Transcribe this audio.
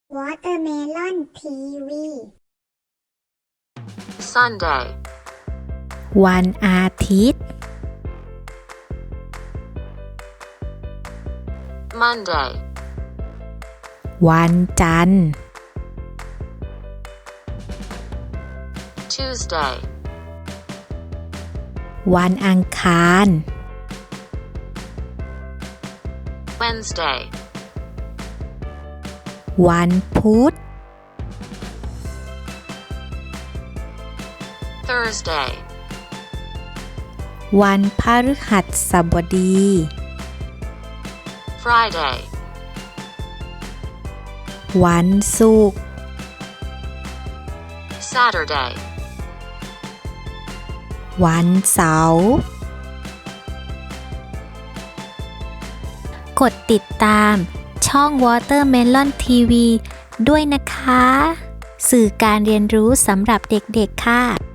Watermelon TV Sunday วันอาทิตย์ Monday วันจันทร์ Tuesday วันอังคาร Wednesday วันพุธ Thursday วันพฤหัสบดี Friday วันศุกร์ Saturday วันเสาร์กดติดตามช่อง Watermelon TV ด้วยนะคะ สื่อการเรียนรู้สำหรับเด็กๆค่ะ